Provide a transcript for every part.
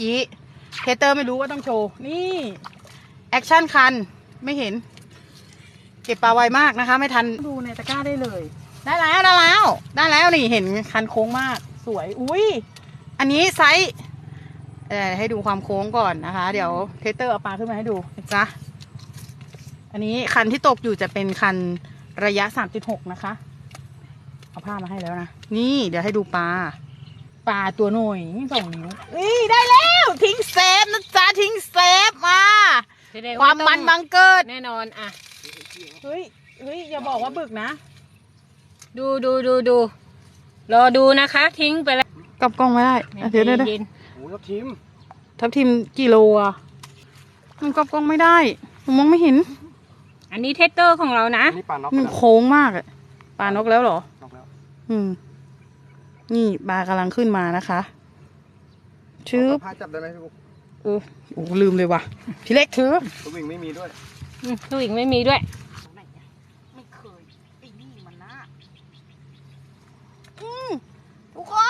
อีเทเตอร์ไม่รู้ว่าต้องโชว์นี่แอคชั่นคันไม่เห็นเก็บปลาไวมากนะคะไม่ทันดูในตะกร้าได้เลยได้แล้วนี่เห็นคันโค้งมากสวยอุ้ยอันนี้ไซส์ให้ดูความโค้งก่อนนะคะเดี๋ยวเทเตอร์เอาปลาขึ้นมาให้ดูนะจ๊ะอันนี้คันที่ตกอยู่จะเป็นคันระยะ 3.6 นะคะเอาผ้ามาให้แล้วนะนี่เดี๋ยวให้ดูปลาตัวหน่อย2 นิ้วนี่ได้แล้วทิ้งเซฟนะจ๊ะทิ้งเซฟมาความมันบังเกิดแน่นอนอ่ะเฮ้ยอย่าบอกว่าบึกนะดูรอดูนะคะทิ้งไปแล้วกลับกล้องไม่ได้เดี๋ยวโอ้ทับทิมกี่โลอ่ะมันกลับกล้องไม่ได้ผมมองไม่เห็นอันนี้เทสเตอร์ของเรานะนี่ปลานกโค้งมากอ่ะปลานกแล้วเหรอนกแล้วนี่ปลากำลังขึ้นมานะคะชื่อผ้าจับได้ไหมพี่บุ๊กโอ้ลืมเลยว่ะพี่เล็กถือตัววิ่งไม่มีด้วยตัววิ่งไม่มีด้วยไม่เคยไอ้นี่มันนะทุกคน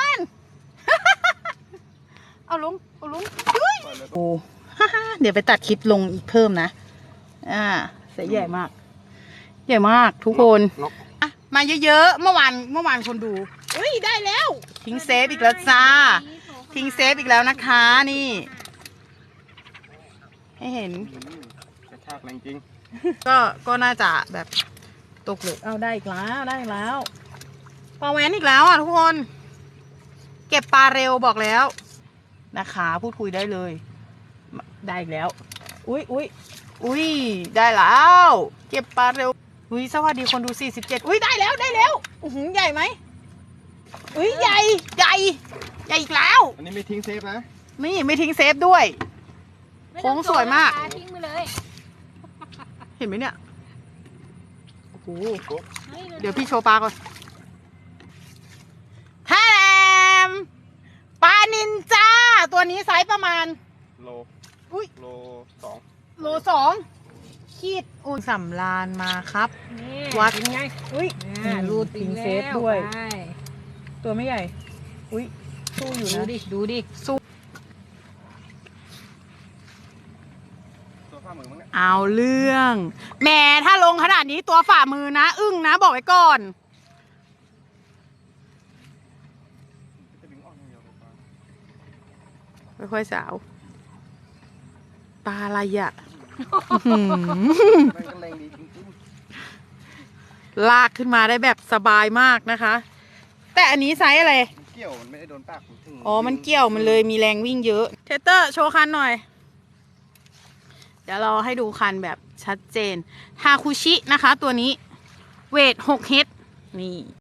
เอาลงโอ้เดี๋ยวไปตัดคลิปลงอีกเพิ่มนะเสียใหญ่มากทุกคนมาเยอะๆเมื่อวานคนดูได้แล้วทิ้งเซฟอีกแล้วจ้าทิ้งเซฟอีกแล้วนะคะนี่ให้เห็นกระชากแรงจริงก็น่าจะแบบตกเหล็กเอาได้อีกแล้วปลาแหวนอีกแล้วอ่ะทุกคนเก็บปลาเร็วบอกแล้วนะคะพูดคุยได้เลยได้อีกแล้วอุ้ยได้แล้วเก็บปลาเร็วสวัสดีคนดู47ได้แล้วใหญ่ไหมใหญ่อีกแล้วอันนี้ไม่ทิ้งเซฟนะนี่ไม่ทิ้งเซฟด้วยโค้งสวยมากทิ้งไปเลยเห็นไหมเนี่ยโอ้โหเดี๋ยวพี่โชว์ปลาก่อนแทมปลานินจาตัวนี้ไซส์ประมาณโล 2 ขีดสำรานมาครับวัดไงรูดทิ้งเซฟด้วยตัวไม่ใหญ่สู้อยู่นะดูดิสู้ตัวฝ่ามือมั้งเนี่ยเอาเรื่องแหมถ้าลงขนาดนี้ตัวฝ่ามือนะอึ้งนะบอกไว้ก่อนค่อยๆสาวปลาอะไรอ่ะลากขึ้นมาได้แบบสบายมากนะคะแต่อันนี้ไซส์อะไรเกี่ยวมันไม่ได้โดนปากมันเกี่ยวมันเลยมีแรงวิ่งเยอะเทเตอร์โชว์คันหน่อยเดี๋ยวเราให้ดูคันแบบชัดเจนทาคุชินะคะตัวนี้เวท6 เฮดนี่